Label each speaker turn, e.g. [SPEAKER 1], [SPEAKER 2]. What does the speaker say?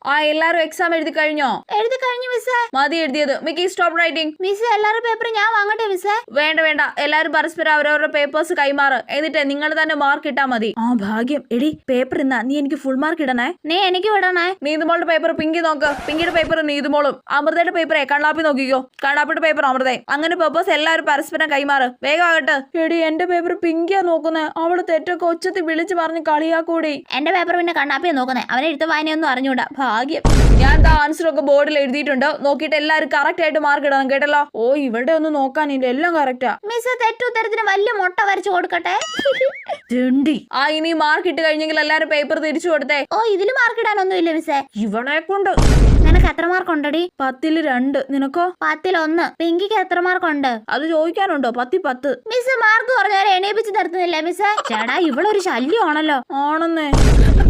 [SPEAKER 1] ആ എല്ലാരും എക്സാം എഴുതി കഴിഞ്ഞോ?
[SPEAKER 2] എഴുതി കഴിഞ്ഞു മിസ്സേ.
[SPEAKER 1] മതി എഴുതിയത്. Mikki stop writing.
[SPEAKER 2] മിസ്സേ എല്ലാവരുടെ പേപ്പർ ഞാൻ വാങ്ങട്ടെ മിസ്സേ?
[SPEAKER 1] വേണ്ട വേണ്ട, എല്ലാരും പരസ്പരം അവരവരുടെ പേപ്പേഴ്സ് കൈമാറ്. എന്നിട്ട് നിങ്ങൾ തന്നെ മാർക്ക് ഇട്ടാ മതി. ആ ഭാഗ്യം. എടി പേപ്പർ ഇന്നാ നീ എനിക്ക് ഫുൾ മാർക്ക് ഇടണേ.
[SPEAKER 2] നീ എനിക്ക് വിടണേ.
[SPEAKER 1] നീതുമോളുടെ പേപ്പർ പിങ്കി നോക്ക്. പിങ്കിയുടെ പേപ്പർ നീതുമോളും. അമൃതയുടെ പേപ്പറെ കണ്ണാപ്പി നോക്കിക്കോ. കണ്ണാപ്പിയുടെ പേപ്പർ അമൃതേ. അങ്ങനെ പേപ്പേഴ്സ് എല്ലാവരും പരസ്പരം കൈമാറ്. വേഗം ആകട്ടെ. എടി എന്റെ പേപ്പർ പിങ്കിയാ നോക്കുന്നേ. അവള് തെറ്റൊക്കെ ഒച്ചത്തിൽ വിളിച്ചു പറഞ്ഞ് കളിയാക്കൂടി.
[SPEAKER 2] എന്റെ പേപ്പർ പിന്നെ കണ്ണാപ്പിയെ നോക്കുന്നേ. അവനെ എഴുത്ത് വായനയൊന്നും അറിഞ്ഞൂടാ. ഭാഗ്യം.
[SPEAKER 1] ഞാൻ ആൻസർ ഒക്കെ ബോർഡിൽ എഴുതിയിട്ടുണ്ട്. നോക്കിയിട്ട് എല്ലാരും കറക്റ്റ് ആയിട്ട് മാർക്ക് ഇടണം കേട്ടല്ലോ. ഓ ഇവിടെ ഒന്നും നോക്കാനില്ല, എല്ലാം കറക്റ്റാ.
[SPEAKER 2] മിസ് തെറ്റുത്തരത്തിന് വലിയ മുട്ട വരച്ചു കൊടുക്കട്ടെ.
[SPEAKER 1] ആ ഇനി മാർക്ക് ഇട്ട് കഴിഞ്ഞെങ്കിൽ എല്ലാരും പേപ്പർ തിരിച്ചു കൊടുത്തേ.
[SPEAKER 2] ഓ ഇതില് മാർക്ക് ഇടാനൊന്നും ഇല്ല മിസ്സേ.
[SPEAKER 1] ഇവളെ കൊണ്ട്.
[SPEAKER 2] നിനക്ക് എത്ര മാർക്ക് ഉണ്ടടി?
[SPEAKER 1] 10ൽ 2. നിനക്കോ?
[SPEAKER 2] 10ൽ 1. പിങ്കിക്ക് എത്ര മാർക്ക് ഉണ്ട്?
[SPEAKER 1] അത് ചോദിക്കാനുണ്ടോ? 10
[SPEAKER 2] മിസ് മാർക്ക് കുറഞ്ഞവരെ എണീപ്പിച്ച് നിർത്തുന്നില്ല മിസ്സേ. ചേടാ ഇവളൊരു ശല്യമാണല്ലോ.
[SPEAKER 1] ആണെന്നേ.